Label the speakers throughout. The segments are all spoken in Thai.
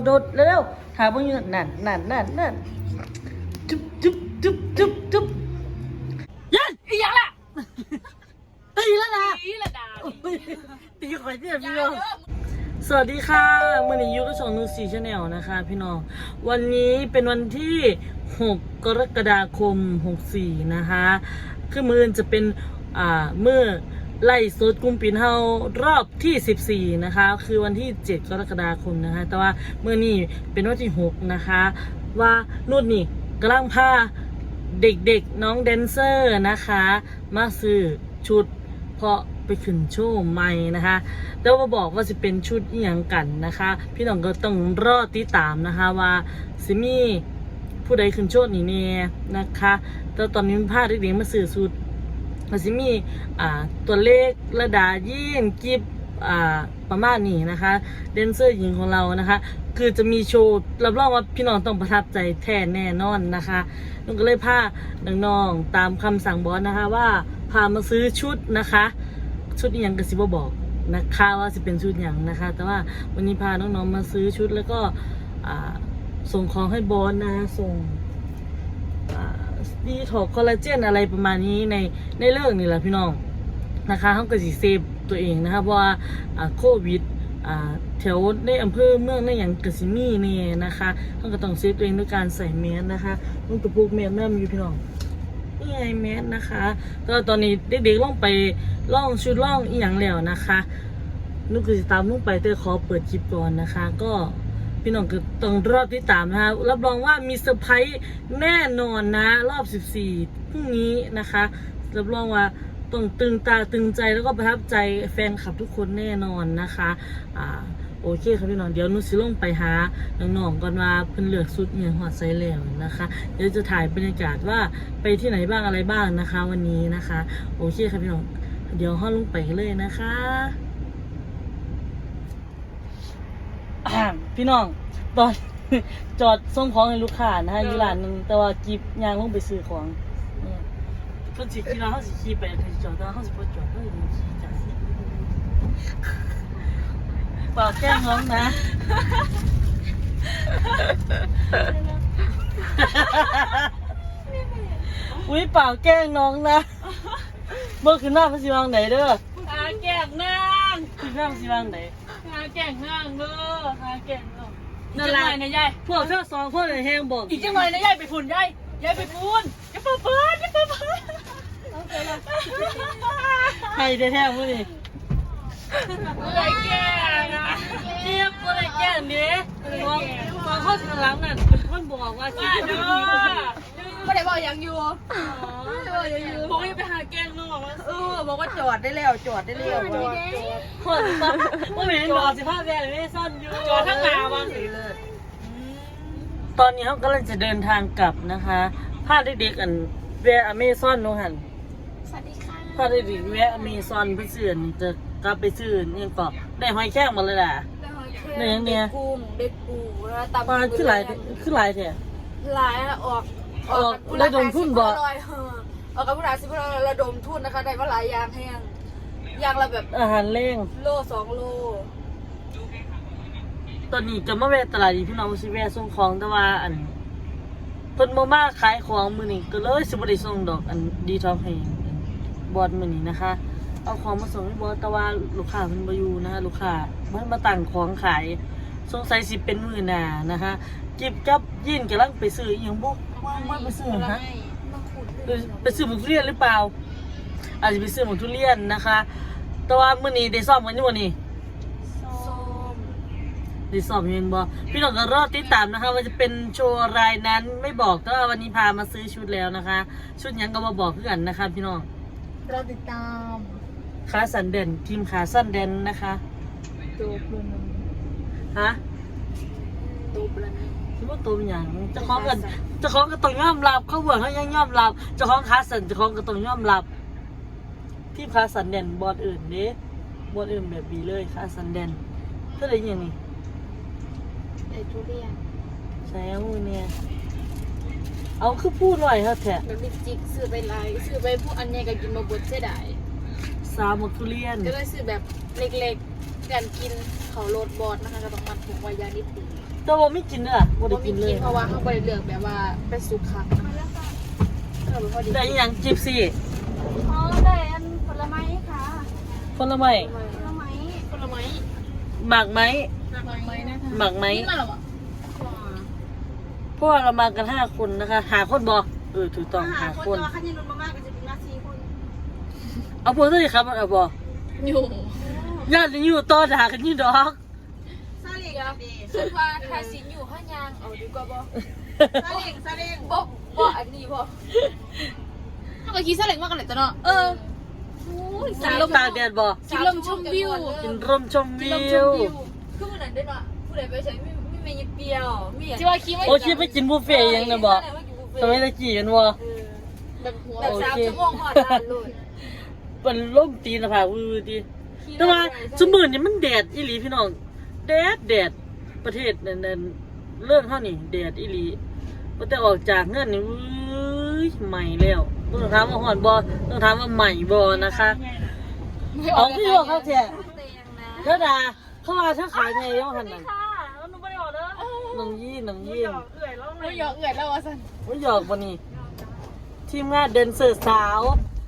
Speaker 1: โดดเร็วหาเบิ่งอยู่นั่นจุ๊บยันอีหยังล่ะตีแล้วนะตีละดาตีข่อยเนี่ยพี่น้องสวัสดีค่ะมื้อนี้อยู่กับช่องนูซี่ชาแนลนะคะพี่น้องวันนี้เป็นวันที่6กรกฎาคม64นะคะคือมื้อจะเป็นมื้อไล่สดกลุ่มปิ่นเฮารอบที่14นะคะคือวันที่7กรกฎาคมนะคะแต่ว่ามื้อนี้เป็นวันที่6นะคะว่านุ่นนี่กำลังพาเด็กๆน้องแดนเซอร์นะคะมาซื้อชุดเพราะไปขึ้นโชว์ใหม่นะคะแล้วมาบอกว่าจะเป็นชุดอีหยังกันนะคะพี่น้องก็ต้องรอติดตามนะคะว่าสิมีผู้ใดขึ้นโชว์นี่เนี่ยนะคะแต่ตอนนี้พาเด็กๆมาซื้อชุดมันสิมีตัวเลขระดายีนกิฟประมาณนี้นะคะแดนเซอร์หญิงของเรานะคะคือจะมีโชว์รับรองว่าพี่น้องต้องประทับใจแท้แน่นอนนะคะนุ่นก็เลยพาน้องๆตามคำสั่งบอสนะคะว่าพามาซื้อชุดนะคะชุดอีหยังกระซิบบอกนะคะว่าจะเป็นชุดอย่างนะคะแต่ว่าวันนี้พาน้องๆมาซื้อชุดแล้วก็ส่งของให้บอสนะส่งดีถอกคอลลาเจนอะไรประมาณนี้ในเรื่องนี่แหละพี่น้องนะคะเขาก็สิเซฟตัวเองนะคะเพราะว่าโควิดแถวในอำเภอเมืองในอย่างกสิมีเนี่ยนะคะเขาก็ต้องเซฟตัวเองด้วยการใส่แมสนะคะนุ่งกระปุกแมสนั่นอยู่พี่น้องนี่ไงแมสนะคะก็ตอนนี้เด็กๆล่องไปล่องชุดล่องอีหยังแล้วนะคะนุ่งก็จะตามนุ่งไปแต่ขอเปิดคลิปก่อนนะคะก็พี่น้องก็ต้องรอติดตามนะคะรับรองว่ามีเซอร์ไพรส์แน่นอนนะรอบ14พรุ่งนี้นะคะรับรองว่าต้องตึงตาตึงใจแล้วก็ประทับใจแฟนคลับทุกคนแน่นอนนะคะโอเคครับพี่น้องเดี๋ยวนุสิลงไปหาน้องๆก่อนว่าเพิ่นเลือกชุดเนี่ยหัวไซแล้วนะคะเดี๋ยวจะถ่ายบรรยากาศว่าไปที่ไหนบ้างอะไรบ้างนะคะวันนี้นะคะโอเคครับพี่น้องเดี๋ยวห้องลงไปเลยนะคะพี่น้องตอนจอดส่งของให้ลูกค้านะคะอยู่ร้านนึงแต่ว่ากิบยางลงไปซื้อของเพิ่นสิคิดว่าเฮาสิขี่ไปจอดแต่เฮาสิบ่จอดเฮาสิขี่จังซี่เปล่าแกล้งน้องนะอุ้ยเปล่าแกล้งน้องนะเบิ่งขึ้นหน้าเพิ่นสิวางไหนเด้อหาแกล้งนางขึ้นหน้าเพิ่นสิวางไหนหาแกล้งนางเด้อหาแกล้งน้องนั่นล่ะนะยายพวกเธอสองคนแฮงบอกอีกจังหน่อยนะยายไปฝุ่นยายไปฝุ่นอย่าเปิดใครแท้ๆมื้อนี้อะไรแก่นะเจี๊ยบอะไรแก่นี้ตอนเข้าหลังนั่นเป็นคนบอกว่าคิดว่า
Speaker 2: ไม่ได้บอกยังอยู่บอกยังอยู่
Speaker 1: บอกให้ไปหาแกงน้อง
Speaker 2: บอกว่าจอดได้แล้ว
Speaker 1: คนว่าเห็นบอก15 แสนไม่ซ่อนอยู่จอดทั้งหนาบ้างสิเลยตอนนี้เขากำลังจะเดินทางกลับนะคะพาเด็กๆกันแวะอเมซอนน้องหัน
Speaker 2: สวัสดีค่ะ
Speaker 1: พาเด็กๆแวะอเมซอนเพื่อซื้อจะกลับไปซื้อนี่ก็ได้หอยแครงมาเลยล่ะ
Speaker 2: เนี่ยกุ้งเด็กปูแล้วตำ
Speaker 1: ปลาขึ้นหลายแท้
Speaker 2: หลายออก
Speaker 1: ระดมทุนบ่
Speaker 2: ออกกับผู้หลายสิบระดมทุนนะคะได้มาหลายอย่างแห้งอย่างละแบบ
Speaker 1: อาหารเร่ง
Speaker 2: โล2 โล
Speaker 1: ตอนนี้จะมาแวะตลาดพี่น้องสิแวะส่งของแต่ว่าเพิ่นบ่มาขายของมื้อนี้ก็เลยสิบ่ได้ส่งดอกดีท็อกให้บอสมื้อนี้นะคะเอาของมาส่งให้บอสแต่ว่าลูกค้าเพิ่นบ่อยู่นะคะลูกค้าเพิ่นมาตั้งของขายสงสัยสิเป็นมื้อหน้านะคะกิบกับยินกำลังไปซื้ออีหยังบ่ว่าไปซื้อฮะไปซื้อหมูทุเรียนหรือเปล่าอาจจะไปซื้อหมูทุเรียนนะคะแต่ว่ามื้อนี้ได้ซ้อมกันอยู่บ่นี่ได้ซ้อมอยู่บ่พี่น้องก็รอติดตามนะคะว่าจะเป็นโชว์รายนั้นไม่บอกแต่ว่าวันนี้พามาซื้อชุดแล้วนะคะชุดหยังก็มาบอกคือกันนะคะพี่น้อง
Speaker 2: รอติดตาม
Speaker 1: ขาสั้นเด่นทีมขาสั้นเด่นนะคะ
Speaker 2: ตัวปลา
Speaker 1: ฮะ
Speaker 2: ตัวปลา
Speaker 1: คิดว่าตัวเป็นอย่างเจ้าของก็ต้องยอมรับเขาบอกเขายังยอมรับเจ้าของขาสั้นเจ้าของก็ต้องยอมรับทีมขาสั้นเด่นบอลอื่นเด้บอลอื่นแบบนี้เลยขาสั้นเด่นเท่าไหร่อย่างนี้
Speaker 2: ไอ้ทุเรียน
Speaker 1: ใช่มือเนี่ยเอาคือพูดหน่อยเถอะแท้
Speaker 2: แบบมิจิกซื้อไปไลน์ซื้อไปพวกอันนี้ก็กินมาบดเสียดาย
Speaker 1: 3 หมกทุเรียน
Speaker 2: ก็เลยซื้อแบบเล็กๆการกินเขาโรดบอสนะคะก็ต้องมัดถุงไว้ยานิดนึง
Speaker 1: แต่ว่าไม่กินเด้อบ่ได้
Speaker 2: บ่มี
Speaker 1: กินเล
Speaker 2: กิ
Speaker 1: ย
Speaker 2: นเพราะว่าเขาบ่ได้เลือกแบบว่าเป็นสุกค่ะก็เลยพอดี
Speaker 1: ได้อีหยังจิบซี่
Speaker 3: อ๋อได้อันผลไม้ค่ะ
Speaker 1: ผลไม้
Speaker 3: ผลไม้
Speaker 2: ผลไม้
Speaker 1: หมากไหม
Speaker 2: ผลไม้นะคะ
Speaker 1: หมากไหม
Speaker 2: กินมาหรอวะ
Speaker 1: เพราะว่าเรามากัน5คนนะคะหาคนบ่ถูกต้องหาคน
Speaker 3: แต่ว่าขั้นยันมากๆก็จะเป็นนาทีคน
Speaker 1: เอาพวกเท่าไหร่ครับเอาบ่
Speaker 2: อยู่
Speaker 1: ญาติอยู่ต่อด่ากันอยู่ดอก
Speaker 3: ซาเล้งดี
Speaker 2: คิดว่าถ้าสินอยู่ห้างยางเอาดีกว่าบ่
Speaker 3: ซาเล้ง
Speaker 2: บ่อันนี้บ่ถ้าก็คิดซะเล็กมากกันเลยจ้ะเนาะ
Speaker 1: กินลมตากแดดบ่
Speaker 2: กินลมชมวิว
Speaker 1: กินร่มชมวิว
Speaker 2: คือมื้อนั้นเด้อเนาะผู้ใดไปใช้ไม่เปรี้ยวมีที่ว่าคิดว่า
Speaker 1: โอ้คิดไปกินบุฟเฟ่ต์ยังนะบ่สมัยตะกี้กันบ่
Speaker 2: แบบหัว
Speaker 1: แบบ3
Speaker 2: ชั่วโมงฮอดร้านเลย
Speaker 1: เป็นร่มตีนผาวิวดีแต่ว่าสมื้อนี้มันแดดอีหลีพี่น้องแดดประเทศนั้นเรื่องเฮานี่แดดอีหลีบ่แต่ออกจากเงินนี่ใหม่แล้วต้องถามว่าฮ้อนบ่ต้องถามว่าใหม่บ่นะคะเอาพี่ว่าเขาแท้เด้อดาเขาว่าถ้าขายไงยังหั่นน่ะ
Speaker 3: ค่ะแล้วหนูไม่ได้ออกเด้อ
Speaker 1: น้องยี่
Speaker 3: เอื่อยแล้วไง
Speaker 2: เราหยอกเอื่อยแล้วว่าซั่น
Speaker 1: ว่าหยอกบ่นี่ทีมงานเดนเซอร์สาว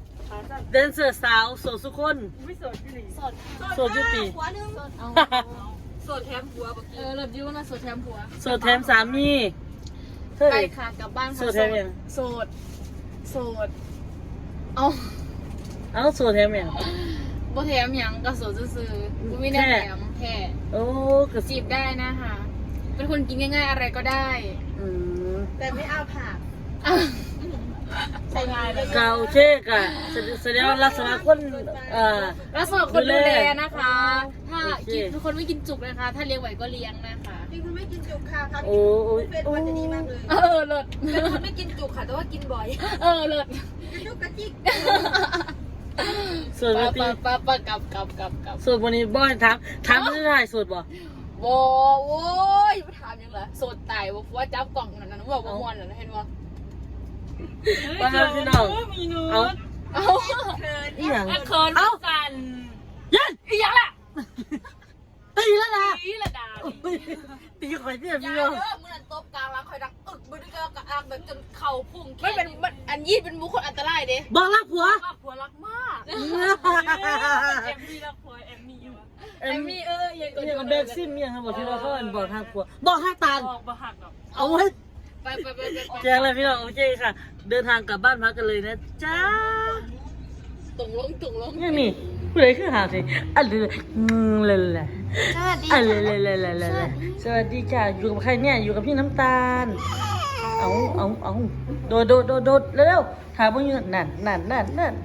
Speaker 1: โสดสุคน
Speaker 3: ไม่สดที่หลี
Speaker 2: สด
Speaker 1: โสดยุติ
Speaker 3: หัวนึง
Speaker 2: เอาสดแถมผัวบักเลิศอยู่นะสดแถมผัว
Speaker 1: โสดแถมสามีเฮ้
Speaker 2: ไป
Speaker 1: ย
Speaker 2: ค่ะกลับบ้านค่ะ
Speaker 1: โสดแถมยัง
Speaker 2: โสดเอา
Speaker 1: เอ้าโสดแถมยัง
Speaker 2: บ่แถมหยังก็โสดซื่อๆบ่มีแนวแถมแค่
Speaker 1: โอ้กระ
Speaker 2: จีบได้นะคะ เป็นคนกินง่ายๆอะไรก็ได้
Speaker 1: อืม
Speaker 3: แต่ไม่เอาผัก
Speaker 2: ใส่งานเลย
Speaker 1: เกาเช็กอะแสดงว่าลักษณะคน
Speaker 2: แล้วสำหรับคนดูแลนะคะ ถ้า
Speaker 1: โอเค
Speaker 2: กินทุกคนไม่กินจุกนะคะ ถ้าเลี้ยงไหวก็เลี้ยงนะคะ
Speaker 3: จริงคุณไม่กินจุกค่ะครับ
Speaker 1: โอ้โอ้
Speaker 3: เป็น
Speaker 1: โอ้
Speaker 3: วันจะดีมากเลย
Speaker 2: เลิศ
Speaker 4: เป็นคนไม่กินจุกค่ะ แต่ว่ากินบ่อย
Speaker 2: เลิศ
Speaker 3: กระจุกกระจิก
Speaker 1: โสดวันตี
Speaker 2: ปะกับ
Speaker 1: โสดวันนี้บ่อยถามไม่ได้โสดบ่
Speaker 2: โว้ยมาถามยังเหรอโสดตายว่าจับกล่องนั่นนะบอกว่ามวนนั่นเห็นว่า
Speaker 1: ว่าแล้วพี่น้องเอา
Speaker 2: เอา
Speaker 1: อีหยัง
Speaker 2: เคินกัน
Speaker 1: ยันอีหยังล่ะตีแล้วนะ
Speaker 2: นี่ละดา
Speaker 1: ตีข่อยเนี่ย
Speaker 4: อ
Speaker 1: พี่
Speaker 4: ย่า
Speaker 1: น้อง
Speaker 4: เด้อมือนั้นตบกลางร้านคอยดังอึกมือนี้ก็กระอักแบบจนเข่าพุ่ง
Speaker 2: ไม่เป็นอันยี่เป็นบุคคลอันตรายเด้
Speaker 1: บอกรักผัว
Speaker 4: มากผัวรักมาก
Speaker 2: เอ็มมี่ละพลอยเอ็มมี่อยู่
Speaker 1: เอ็ม
Speaker 2: ยัง
Speaker 1: เนี่ยกับแบกซิมเนี่ยครับบอกที่ว่าเขาเป็นบอกทางผัวบอกทางตาล
Speaker 2: บอกบ่หักหรอก
Speaker 1: เอาไว้
Speaker 2: ไป
Speaker 1: แจ้งเลยพี่น้องโอเคค่ะ เดินทางกลับบ้านพักกันเลยนะจ้า
Speaker 2: ตุ่งลง
Speaker 1: เนี่ยนี่ผู้ใดขึ้นหาสิอันเลยเลยเลย
Speaker 4: สวัสดี
Speaker 1: อันเลยสวัสดีค่ะอยู่กับใครเนี่ยอยู่กับพี่น้ำตาลเอาโดดเร็วๆถามว่าอยู่นั่น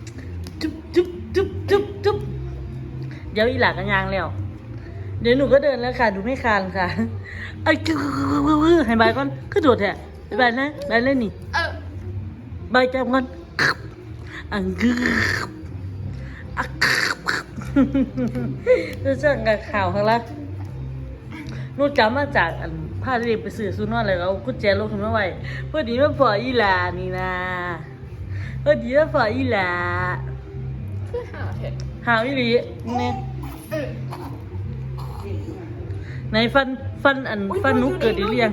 Speaker 1: จุ๊บเดี๋ยวอีหลักกันยางแล้วเดี๋ยวหนูก็เดินแล้วค่ะดูไม่คานค่ะไอ้ให้บายก่อนก็โดดแท้บายนะบายเลยนี่บายจับก่อนอังกึบรู้จักกับข่าวข้างล่างนู่นจำมาจากอันผ้าที่เด็กไปสื่อซูนอนเลยเอากุญแจลงขึ้นมาไว้เพื่อดีมาพออีหลานี่นะเพื่อดีมาพออีหลาหาวิลีเนี่ยในฟันนุกเกิดหรือยัง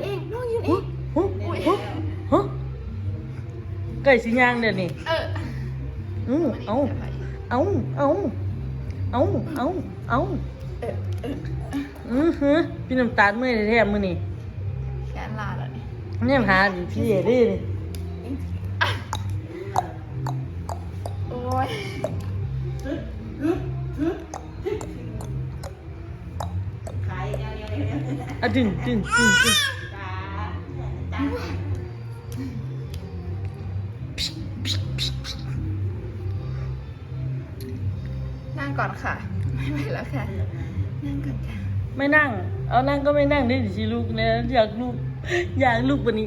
Speaker 1: ไก่สิย่างเดี๋ยวนี้เอาพี่น้ำตาลเมื่อยแท้ๆมื้อนี้
Speaker 2: แกนลาแล้วนี่
Speaker 1: เนี่ยหาดิพี่เอ๋ดิ
Speaker 2: โอ้ย
Speaker 1: อะดึง
Speaker 2: นั่งก่อนค่ะไม่ไหวแล้วค่ะนั่งก่อนค่ะ
Speaker 1: ไม่นั่ง เอานั่งก็ไม่นั่งได้ดิสิลูกเนี่ยอยากลูกกว่านี้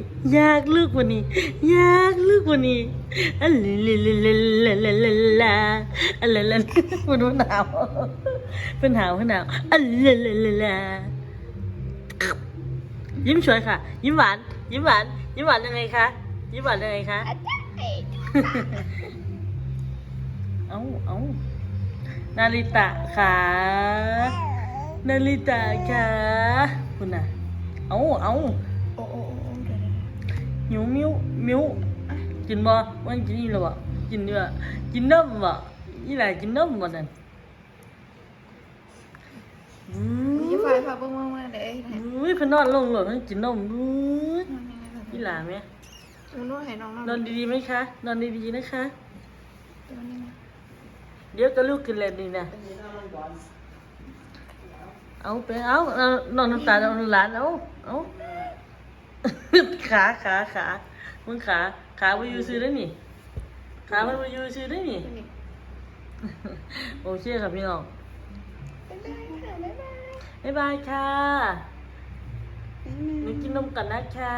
Speaker 1: อัลลามันหนาวเป็นหนาวอัลลายิ้มสวยค่ะ ยิ้มหวานยังไงคะเอานาริตะค่ะคุณน่ะเอา
Speaker 2: โอ้โอ้โอ้เดี๋ยว
Speaker 1: หิวมิ้วกินบ่วันกินนี่หรอวะกินเนื้อกินน้ำบ่นี่แหละกินน้ำบ่นั่น
Speaker 2: มีไฟพาเบิ่งมาเด้
Speaker 1: อุ้ยเพิ่นนอนลงหลดมันกินนมอุ้ยนี่หลาไหม
Speaker 2: นวดให้น้อง
Speaker 1: นอนดีๆไหมคะนอนดีๆนะคะ
Speaker 2: ตัวนี้
Speaker 1: เดี๋ยวก็ลูกขึ้นแล้วนี่นะเอาไปเอานอนน้ำตาลหลานเอาขามึงขาไปอยู่ซื้อได้นี่ขามันไปอยู่ซื้อได้นี่โอเคครับพี่น้องบ๊ายบายค่ะหนูกินนมกันนะคะ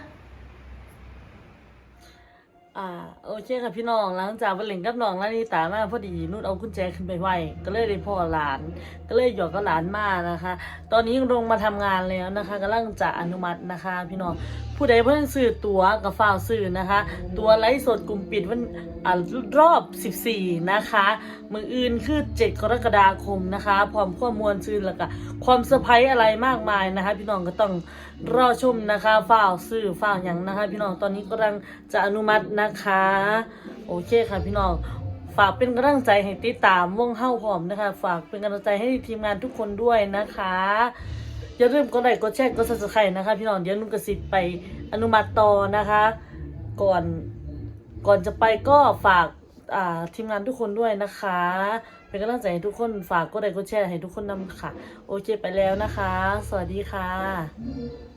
Speaker 1: โอเคค่ะพี่น้องหลังจากไปเล่นกับน้องแล้วนี่ตามาพอดีนุ่นเอากุญแจขึ้นไปไว้ก็เลยได้พ่อหลานก็เลยหยอกกับหลานมานะคะ ตอนนี้ลงมาทำงานแล้วนะคะกำลังจะอนุมัตินะคะ พี่น้องผู้ใดเพิ่งซื้อตั๋วกับฝ้าวซื้อนะคะตั๋วไลฟ์สดกลุ่มปิดวันรอบ14นะคะมืออื่นคือ7 กรกฎาคมนะคะพร้อมข้อมูลซื้อแล้วก็ความเซอร์ไพรส์อะไรมากมายนะคะ พี่น้องก็ต้องรอชมนะคะฝ้าวซื้อฝ้าวอย่างนะคะ พี่น้องตอนนี้กำลังจะอนุมัตินะคะโอเคค่ะพี่น้องฝากเป็นกำลังใจให้ติดตามวงเฮ้าพร้อมนะคะฝากเป็นกำลังใจให้ทีมงานทุกคนด้วยนะคะอย่าลืมกดไลค์กดแชร์กด Subscribe นะคะพี่น้องเดี๋ยวนุ่นกระสิบไปอนุมัติต่อนะคะก่อนจะไปก็ฝากทีมงานทุกคนด้วยนะคะเป็นกำลังใจให้ทุกคนฝากกดไลค์กดแชร์ให้ทุกคนนำค่ะโอเคไปแล้วนะคะสวัสดีค่ะ